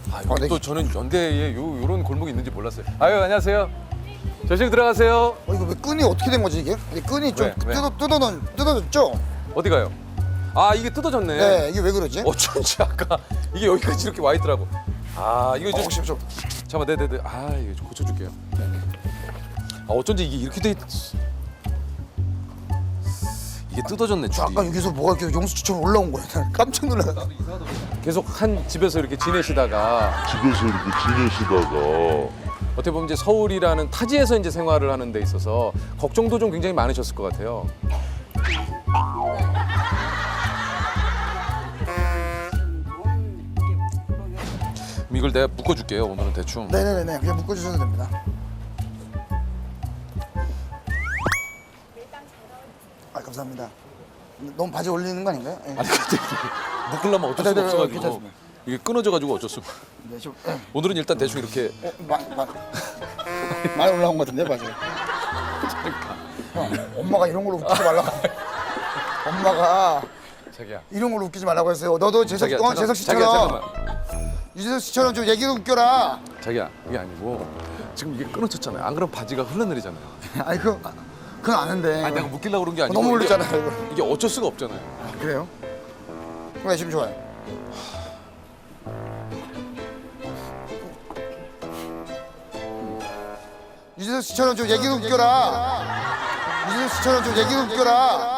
아, 여기 또 저는 연대에 요런 골목이 있는지 몰랐어요. 아유, 안녕하세요. 저실 들어가세요. 이거 왜 끈이 어떻게 된 거지 이게? 이 끈이 좀 왜? 뜯어졌죠? 어디 가요? 아, 이게 뜯어졌네. 네, 이게 왜 그러지? 어쩐지 아까 이게 여기까지 이렇게 와 있더라고. 아, 이거 좀 혹시 좀 잠깐만, 네네네. 아, 이거 좀 고쳐줄게요. 아, 어쩐지 이게 이렇게 돼 이게 뜯어졌네, 줄이. 아까 여기서 뭐가 이렇게 용수추처럼 올라온 거야. 난 깜짝 놀랐어. 계속 한 집에서 이렇게 지내시다가 어떻게 보면 이제 서울이라는 타지에서 이제 생활을 하는 데 있어서 걱정도 좀 굉장히 많으셨을 것 같아요. 그럼 이걸 내가 묶어줄게요. 오늘은 대충. 네네네, 그냥 묶어주셔도 됩니다. 아, 감사합니다. 너무 바지 올리는 거 아닌가요? 네. 아니 근데 묶으려면 어쩔 수가 네네네, 없어가지고 괜찮습니다. 이게 끊어져가지고 어쩔 수. 네, 좀 오늘은 일단 대충 이렇게. 많이 올라온 것 같은데 바지. 형, 엄마가 이런 걸로 웃기지 말라고. 엄마가 자기야. 이런 걸로 웃기지 말라고 했어요. 너도 재석 자기야, 재석 자기야, 씨처럼 잠깐만. 유재석 씨처럼 좀 얘기도 웃겨라. 자기야, 이게 아니고 지금 이게 끊어졌잖아요. 안 그러면 바지가 흘러내리잖아요. 아니 그건 아는데. 아니 내가 묶이려고 그런 게 아니고 너무 이게- 올렸잖아요. 이거. 이게 어쩔 수가 없잖아요. 그래요? 네, 지금 좋아요. 유재석 씨처럼 좀 얘기도 웃겨라. 유재석 씨처럼 좀 얘기도 웃겨라.